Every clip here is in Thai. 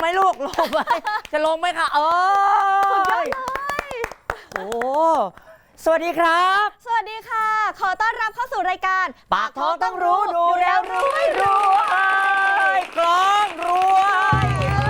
ไหมลูกลงไหมจะลงไหมคะสุดยอดเลยโอ้สวัสดีครับสวัสดีค่ะขอต้อนรับเข้าสู่รายการปากท้องต้องรู้ดูแล้วรวยรวยกลองรวย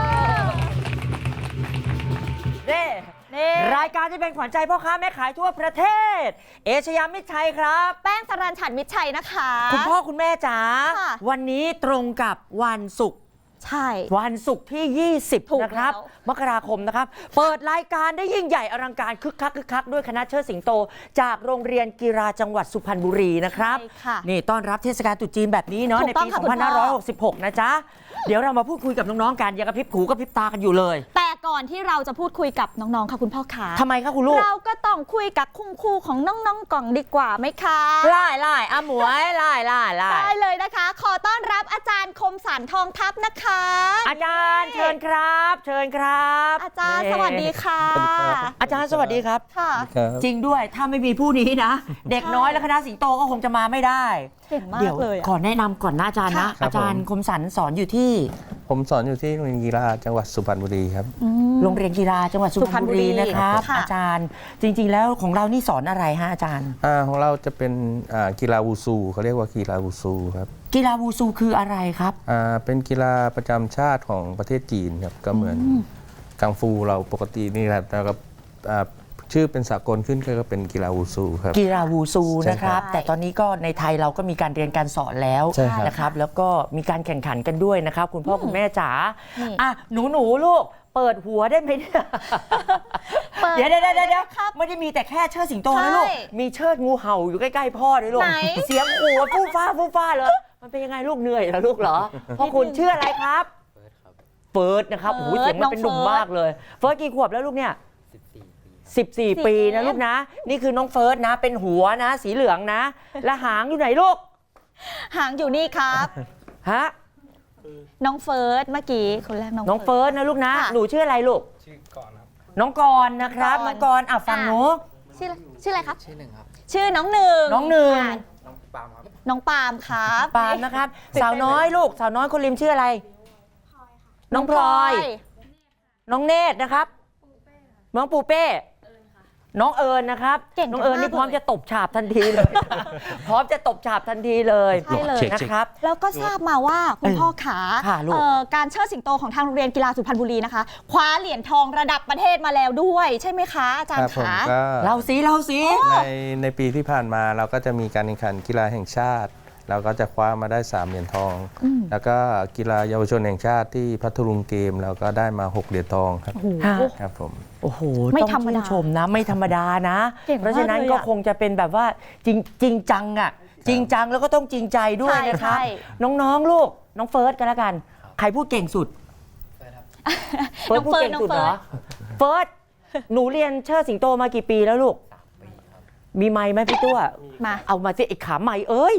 รายการที่เป็นขวัญใจพ่อค้าแม่ขายทั่วประเทศเอชยามิตรชัยครับแป้งสรัญฉันท์มิตรชัยนะคะคุณพ่อคุณแม่จ๋าวันนี้ตรงกับวันศุกร์ใช่วันศุกร์ที่20นะครับมกราคมนะครับเปิดรายการได้ยิ่งใหญ่อลังการคึกคักด้วยคณะเชิดสิงโตจากโรงเรียนกีฬาจังหวัดสุพรรณบุรีนะครับนี่ต้อนรับเทศกาลตรุษจีนแบบนี้เนาะในปี 2566 นะจ๊ะเดี๋ยวเรามาพูดคุยกับน้องๆกันอย่ากระพริบหูกระพริบตากันอยู่เลยแต่ก่อนที่เราจะพูดคุยกับน้องๆค่ะคุณพ่อขาทำไมคะคุณลูกเราก็ต้องคุยกับคุณครูของน้องๆก่อนดีกว่าไหมคะไล่อาหมวยไล่ได้เลยนะคะขอต้อนรับอาจารย์คมสันต์ทองทัพนะคะอาจารย์เชิญครับเชิญครับอาจารย์สวัสดีค่ะอาจารย์สวัสดีครับค่ะจริงด้วยถ้าไม่มีผู้นี้นะเด็กน้อยและคณะสิงโตก็คงจะมาไม่ได้เก่งมากเลยขอแนะนำก่อนนะอาจารย์นะอาจารย์คมสันต์สอนอยู่ที่ผมสอนอยู่ที่โรงเรียนกีฬาจังหวัดสุพรรณบุรีครับโรงเรียนกีฬาจังหวัดสุพรรณบุรีนะครับอาจารย์จริงๆแล้วของเรานี่สอนอะไรฮะอาจารย์ของเราจะเป็นกีฬาวูซูเขาเรียกว่ากีฬาวูซูครับกีฬาวูซูคืออะไรครับเป็นกีฬาประจำชาติของประเทศจีนครับก็เหมือนกังฟูเราปกตินี่แหละแล้วก็ชื่อเป็นสากลขึ้นก็เป็นกีฬาวูซูครับกีฬาวูซูนะครับแต่ตอนนี้ก็ในไทยเราก็มีการเรียนการสอนแล้วนะครับแล้วก็มีการแข่งขันกันด้วยนะครับคุณพ่อคุณแม่จ๋าหนูลูกเปิดหัวได้ไหมเนี่ยเดี๋ยวไม่ได้มีแต่แค่เชิดสิงโตนะลูกมีเชิดงูเห่าอยู่ใกล้ๆพ่อด้วยลูกเสียงขู่ฟู่ฟ้าเลยมันเป็นยังไงลูกเหนื่อยเหรอลูกเหรอพ่อคุณชื่ออะไรครับเฟิร์สนะครับโอ้โหเสียงมันเป็นหนุ่มมากเลยเฟิร์สกี่ขวบแล้วลูกเนี่ย14 ปีนะลูกนะนี่คือน้องเฟิร์สนะเป็นหัวนะสีเหลืองนะและหางอยู่ไหนลูกหางอยู่นี่ครับฮะน้องเฟิร์สเมื่อกี้คนแรกน้องเฟิร์สนะลูกนะหนูชื่ออะไรลูกชื่อกรครับน้องกรนะครับน้องกรฟังหนูชื่ออะไรครับชื่อหนึ่งครับชื่อน้องหนึ่งน้องปาล์มครับน้องปาล์มครับปาล์มนะครับสาวน้อยลูกสาวน้อยคนริมชื่ออะไรน้องพลอยน้องเนตรนะครับน้องปูเป้น้องเอิญนะครับน้องเอิญนี่พร้อมจะตบฉาบทันทีเลยพร้อมจะตบฉาบทันทีเลยใช่เลยนะครับแล้วก็ทราบมาว่าคุณพ่อขาการเชิดสิงโตของทางโรงเรียนกีฬาสุพรรณบุรีนะคะคว้าเหรียญทองระดับประเทศมาแล้วด้วยใช่ไหมคะอาจารย์ขาเราสิในปีที่ผ่านมาเราก็จะมีการแข่งขันกีฬาแห่งชาติเราก็จะคว้ามาได้3เหรียญทองแล้วก็กีฬาเยาวชนแห่งชาติที่พัทลุงเกมเราก็ได้มา6เหรียญทองครับครับผมโอ้โหต้องชื่นชมนะไม่ธรรมดานะเพราะฉะนั้นก็คงจะเป็นแบบว่าจริงจังอ่ะจริงจังแล้วก็ต้องจริงใจด้วยนะครับน้องๆลูกน้องเฟิร์สกันแล้วกันใครพูดเก่งสุดเฟิร์สพูดเก่งสุดเหรอเฟิร์สหนูเรียนเชิดสิงโตมากี่ปีแล้วลูกมีไม้ไหมพี่ตัวมาเอามาสิไอ้ขาไม้เอ้ย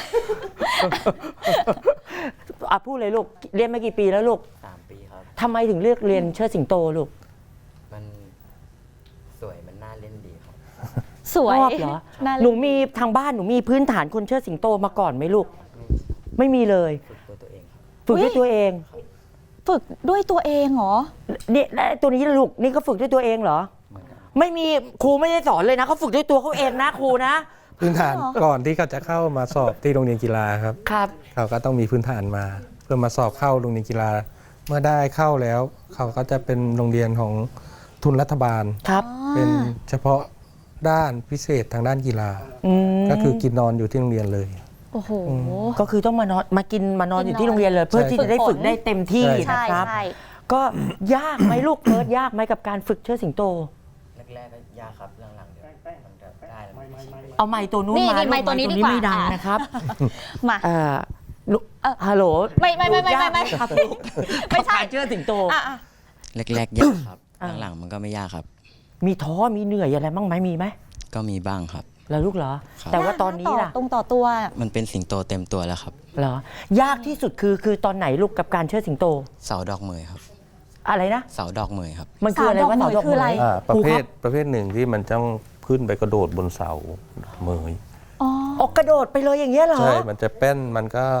พูดเลยลูกเรียนมากี่ปีแล้วลูก 3 ปีครับทำไมถึงเลือกเรียนเชิดสิงโตลูกมันสวยมันน่าเล่นดีครับสวยเหรอหนูมีทางบ้านหนูมีพื้นฐานคนเชิดสิงโตมาก่อนไหมลูกไม่มีเลยฝึกด้วยตัวเองฝึกด้วยตัวเองเหรอเนี่ยตัวนี้ลูกนี่ก็ฝึกด้วยตัวเองเหรอไม่มีครูไม่ได้สอนเลยนะเขาฝึกด้วยตัวเขาเองนะครูนะพื้นฐานก่อนที่เขาจะเข้ามาสอบที่โรงเรียนกีฬาครับเขาก็ต้องมีพื้นฐานมาเพื่อมาสอบเข้าโรงเรียนกีฬาเมื่อได้เข้าแล้วเขาก็จะเป็นโรงเรียนของทุนรัฐบาลเป็นเฉพาะด้านพิเศษทางด้านกีฬาก็คือกินนอนอยู่ที่โรงเรียนเลยโอ้โหก็คือต้องมานอนอยู่ที่โรงเรียนเลยเพื่อที่จะได้ฝึกได้เต็มที่นะครับก็ยากไหมลูกเพิร์ดยากไหมกับการฝึกเชิดสิงโตแรกๆก็ยากครับหลังๆเดี๋ยวมันจะได้แล้วเอาไมค์ตัวนู้นมาไมค์ตัวนี้ดีกว่าไม่ดังนะครับมาฮัลโหลไม่ครับลูกไม่ใช่เชิดสิงโตแรกๆยากครับหลังๆมันก็ไม่ยากครับมีท้อมีเหนื่อยอะไรบ้างไหมมีไหมก็มีบ้างครับแล้วลูกเหรอแต่ว่าตอนนี้ล่ะต่อตัวมันเป็นสิงโตเต็มตัวแล้วครับเหรอยากที่สุดคือตอนไหนลูกกับการเชิดสิงโตเสาดอกเหมยครับอะไรนะเสาดอกเหมยครับมันคืออะไรวะเสาดอกเหมยประเภทหนึ่งที่มันต้องขึ้นไปกระโดดบนเสาเหมยกระโดดไปเลยอย่างเงี้ยเหรอใช่มันจะแป้นมันก็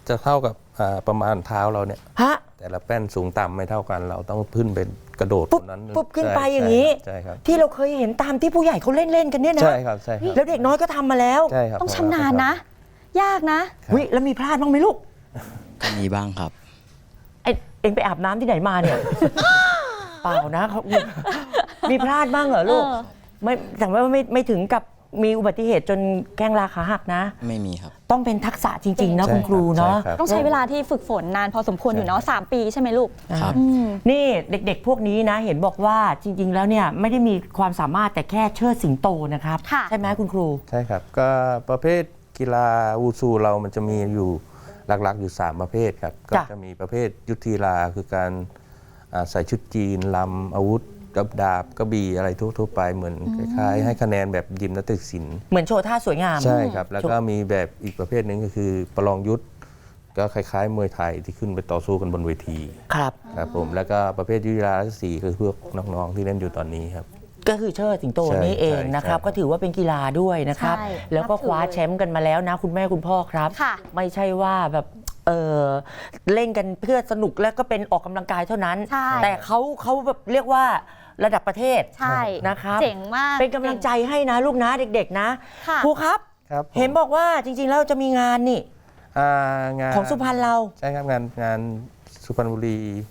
จะเท่ากับประมาณเท้าเราเนี่ยฮะแต่ละแป้นสูงต่ำไม่เท่ากัน เราต้องขึ้นเป็นกระโดดปุ๊บตรงนั้นปุ๊บขึ้นไปอย่างนี้ใช่ครับที่เราเคยเห็นตามที่ผู้ใหญ่เขาเล่นกันเนี่ยนะใช่ครับใช่ครับแล้วเด็กน้อยก็ทำมาแล้วใช่ครับต้องชำนาญนะ ยากนะวิแล้วมีพลาดบ้างไหมลูกก็มีบ้างครับเอ็งไปอาบน้ำที่ไหนมาเนี่ย เปล่านะเขามีพลาดบ้างเหรอลูกเออไม่แต่ว่าไม่ถึงกับมีอุบัติเหตุจนแข้งราขาหักนะไม่มีครับต้องเป็นทักษะจริง ๆ นะใช่คุณครูเนาะใช่ครับต้องใช้เวลาที่ฝึกฝนนานพอสมควรอยู่เนาะ3 ปีใช่ไหมลูกครับอืมนี่เด็กๆ พวกนี้นะ เห็นบอกว่าจริง ๆ แล้วเนี่ยไม่ได้มีความสามารถแต่แค่เชิดสิงโตนะครับค่ะใช่ไหมคุณครูใช่ครับก็ประเภทกีฬาวูซูเรามันจะมีอยู่หลักๆอยู่ 3 ประเภทครับก็จ้ะจะมีประเภทยุทธีฬาคือการใส่ชุดจีนลำอาวุธกับดาบกระบี่อะไรทั่วๆไปเหมือนคล้ายๆให้คะแนนแบบยิมนาสติกศิลป์เหมือนโชว์ท่าสวยงามใช่ครับ แล้วก็มีแบบอีกประเภทหนึ่งก็คือประลองยุทธก็คล้ายๆมวยไทยที่ขึ้นไปต่อสู้กันบนเวทีครับครับผมแล้วก็ประเภทยุทธกีฬาสีคือพวกน้องๆที่เล่นอยู่ตอนนี้ครับก็คือเชิดสิงโตใช่นี่เองนะครับใช่ก็ถือว่าเป็นกีฬาด้วยนะครับใช่แล้วก็นับถือคว้าแชมป์กันมาแล้วนะคุณแม่คุณพ่อครับค่ะไม่ใช่ว่าแบบเล่นกันเพื่อสนุกและก็เป็นออกกำลังกายเท่านั้นใช่แต่เขาแบบเรียกว่าระดับประเทศใช่นะครับเจ๋งมากเป็นกำลังใจให้นะลูกนะเด็กๆนะค่ะครูครับครับผมเห็นบอกว่าจริงๆแล้วจะมีงานนี่งานของสุพรรณเราใช่ครับงานสุพรรณบุรี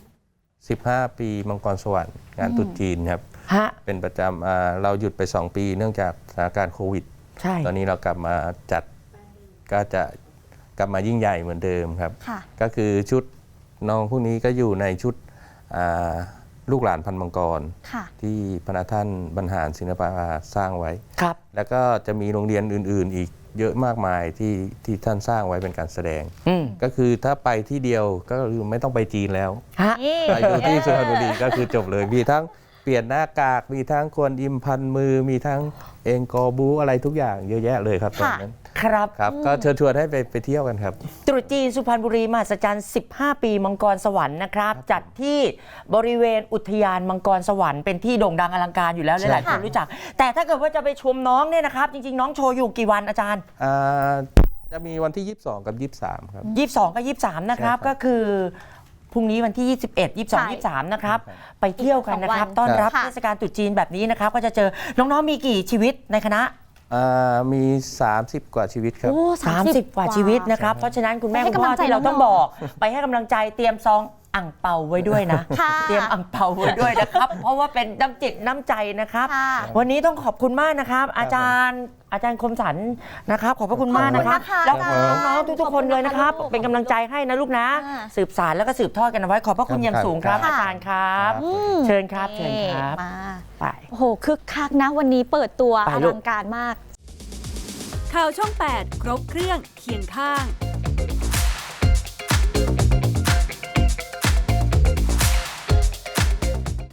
15 ปีมังกรสวรรค์งานตรุษจีนครับฮะเป็นประจำเราหยุดไป 2 ปีเนื่องจากสถานการณ์โควิดใช่ตอนนี้เรากลับมาจัดก็จะกลับมายิ่งใหญ่เหมือนเดิมครับค่ะก็คือชุดน้องพวกนี้ก็อยู่ในชุดลูกหลานพันมังกรค่ะที่พระท่านบรรหารศิลปาสร้างไว้ครับแล้วก็จะมีโรงเรียนอื่นๆ อีกเยอะมากมายที่ท่านสร้างไว้เป็นการแสดงอืมก็คือถ้าไปที่เดียวก็คือไม่ต้องไปจีนแล้วฮะนี่ไปดูที่สุพรรณบุรีก็คือจบเลย มีทั้งเปลี่ยนหน้ากาก มีทั้งควนอิมพันมือ มีทั้งเองกอบูอะไรทุกอย่างเยอะแยะเลยครับตอนนั้นครับครับ ก็เชิญชวนให้ไปเที่ยวกันครับตรุษจีนสุพรรณบุรีมหัศจรรย์ 15 ปีมังกรสวรรค์นะครับ จัดที่บริเวณอุทยานมังกรสวรรค์เป็นที่โด่งดังอลังการอยู่แล้วหลายๆคนรู้จัก แต่ถ้าเกิดว่าจะไปชมน้องเนี่ยนะครับ จริง ๆ น้องโชว์อยู่กี่วันอาจารย์จะมีวันที่ 22 กับ 23 ครับ 22 กับ 23 นะครับใช่ครับก็คือพรุ่งนี้วันที่ 21 22 23 นะครับ ไปเที่ยวกันนะครับอีก2 วันต้อนรับค่ะเทศกาลตรุษจีนแบบนี้นะครับ ก็จะเจอน้องๆมีกี่ชีวิตในคณะมี 30 กว่าชีวิตครับโอ้ 30 กว่าชีวิตนะครับ เพราะฉะนั้นคุณแม่ให้คุณพ่อกำลังใจที่เราต้องน้บองๆอก ไปให้กำลังใจเตรียมซองอ่างเปาไว้ด้วยนะค่ะเตรียมอ่างเปาไว้ด้วยนะครับ เพราะว่าเป็นน้ำจิตน้ำใจนะครับค่ะวันนี้ต้องขอบคุณมากนะครับ อาจารย์คมสันนะครับ ขอบพระคุณมากนะครับขอบคุณนะคะแล้วอาจารย์น้องๆทุกๆคนเลยนะครับขอบคุณนะคะเป็นกำลังใจให้นะลูกนะค่ะสืบสารแล้วก็สืบทอดกันเอาไว้ขอบพระคุณอย่างสูงครับค่ะอาจารย์ครับอืเชิญครับเชิญครับมาไปโอ้โหคึกคักนะวันนี้เปิดตัวไปอลูลักงการมากข่าวช่อง 8 ครบเครื่องเคียงข้าง